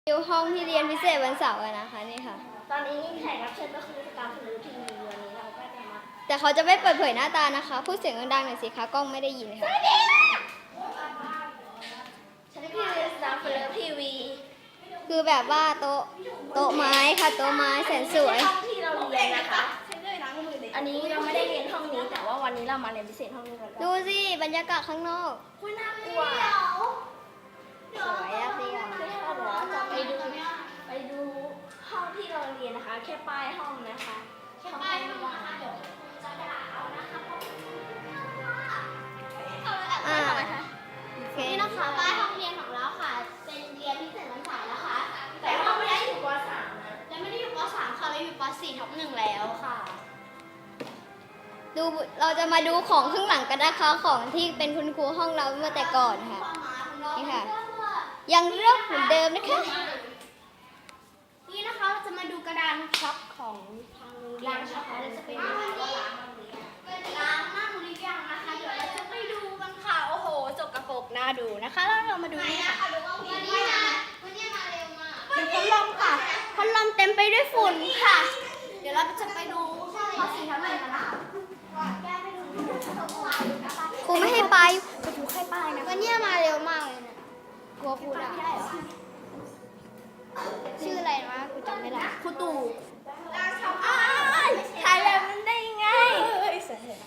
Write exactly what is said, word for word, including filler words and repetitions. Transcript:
อยู่ห้องที่เรียนพิเศษวันเสาร์อะนะคะนี่ค่ะตอนนี้แขกรับเชิญก็คือสกาวพลือทีวีวันนี้เราก็จะมาแต่เขาจะไม่เปิดเผยหน้าตานะคะ พูดเสียงดังๆหน่อยสิคะกล้องไม่ได้ยินค่ะฉันคือสกาวพลือทีวีคือแบบว่าโต๊ะโต๊ะไม้ค่ะโต๊ะไม้แสนสวยห้องที่เราเรียนนะคะอันนี้เราไม่ได้เรียนห้องนี้แต่ว่าวันนี้เรามาเรียนพิเศษห้องนี้กันดูสิบรรยากาศข้างนอกคุณน่ากลัวสวยอะเดียวคือถ้าเดี๋ยวเราจะไปดูไปดูห้องที่เราเรียนนะคะ แค่ป้ายห้องนะคะแค่ป้ายห้องนะคะเดี๋ยวจะด่าเอานะคะอ่าโอเคนี่นะคะป้ายห้องเรียนของเราค่ะ เป็นเรียนพิเศษวันเสาร์นะคะแต่ห้องไม่ได้อยู่ป .สาม นะและไม่ได้อยู่ป .สาม ค่ะเราอยู่ป .สี่ ทับหนึ่งแล้วค่ะดูเราจะมาดูของข้างหลังกันนะคะของที่เป็นคุณครูห้องเราเมื่อแต่ก่อนค่ะ นี่ค่ะ ยังเลือกเหมือนเดิมนะคะนี่นะคะเราจะมาดูกระดานช็อปของทางโรงเรียนนะคะเราจะไปดูว่าล้างบ้างหรือยังล้างบ้างหรือยังนะคะเดี๋ยวเราจะไปดูกันค่ะโอ้โหสกปรกน่าดูนะคะแล้วเรามาดูนี่ค่ะวันนี้มาวันนี้มาเร็วมากเดี๋ยวพัดลมค่ะพัดลมเต็มไปด้วยฝุ่นค่ะ เดี๋ยวเราจะไปดูป .สี่ ทับหนึ่งกันนะคะครูไม่ให้ไปไปดูแค่ป้ายนะวันนี้มาเร็วมากเลยเนี่ยกลัวพูดอ่ะไม่ได้เหรอชื่ออะไรนะกูจำไม่ได้ครูตู่